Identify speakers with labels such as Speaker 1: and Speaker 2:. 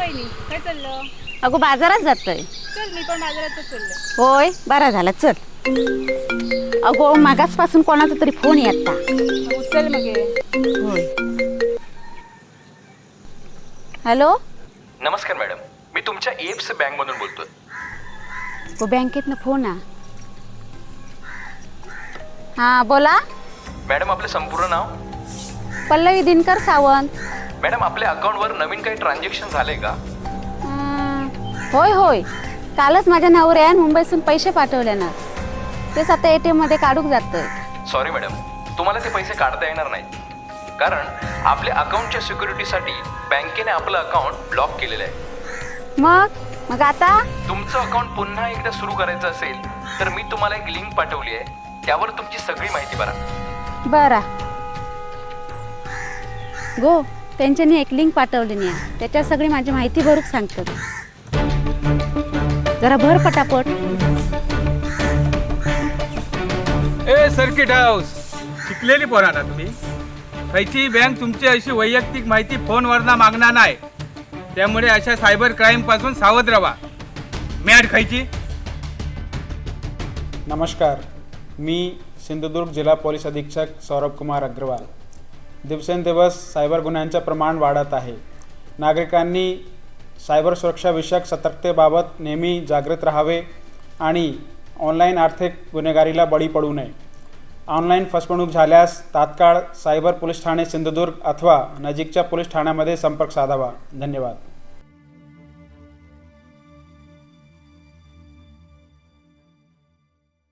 Speaker 1: वहिनी काय चाललं?
Speaker 2: अगो बाजारात जातोय.
Speaker 1: चल मी पण बाजारातच चालले.
Speaker 2: होय बरा झाला चल. अगो मागासपासून कोणाचा तरी फोन येता.
Speaker 1: उचल मग हे.
Speaker 2: होय. हॅलो.
Speaker 3: नमस्कार मॅडम, मी तुमच्या एप्स बँकमधून बोलतोय.
Speaker 2: गो बँकेतनं फोन हा बोला.
Speaker 3: मॅडम आपलं संपूर्ण नाव?
Speaker 2: पल्लवी दिनकर सावंत.
Speaker 3: मॅडम आपल्या अकाउंटवर नवीन काही ट्रान्झॅक्शन झालंय का?
Speaker 2: होय होय, कालच माझ्या नवऱ्यान मुंबईतून पैसे पाठवले ना, तेच आता ATM मध्ये काढूक जातोय.
Speaker 3: सॉरी मॅडम, तुम्हाला ते पैसे काढता येणार नाहीत, कारण आपल्या अकाउंटच्या सिक्युरिटीसाठी बँकेने आपलं अकाउंट ब्लॉक केलेलं आहे.
Speaker 2: मग आता
Speaker 3: तुमचं अकाउंट पुन्हा एकदा सुरू करायचं असेल तर मी तुम्हाला एक लिंक पाठवली आहे, त्यावर तुमची सगळी माहिती भरा.
Speaker 2: बरा गो, त्यांच्यानी एक लिंक पाठवली नाही, त्याच्यात सगळी माझी माहिती भरूक सांगतात. जरा भर पटापट.
Speaker 4: ए सर्किट हाऊस शिकलेली पोरा ना तुम्ही. खयची बँक तुमची अशी वैयक्तिक माहिती फोनवरना मागणार नाही, त्यामुळे अशा सायबर क्राईम पासून सावध राहा. मॅड खयची.
Speaker 5: नमस्कार, मी सिंधुदुर्ग जिल्हा पोलीस अधीक्षक सौरभ कुमार अग्रवाल. दिवसेंदिवस सायबर गुन्ह्यांचे प्रमाण वाढत आहे. नागरिकांनी सायबर सुरक्षाविषयक सतर्कतेबाबत नेहमी जागृत राहावे आणि ऑनलाईन आर्थिक गुन्हेगारीला बळी पडू नये. ऑनलाईन फसवणूक झाल्यास तात्काळ सायबर पोलीस ठाणे सिंधुदुर्ग अथवा नजीकच्या पोलीस ठाण्यामध्ये संपर्क साधावा. धन्यवाद.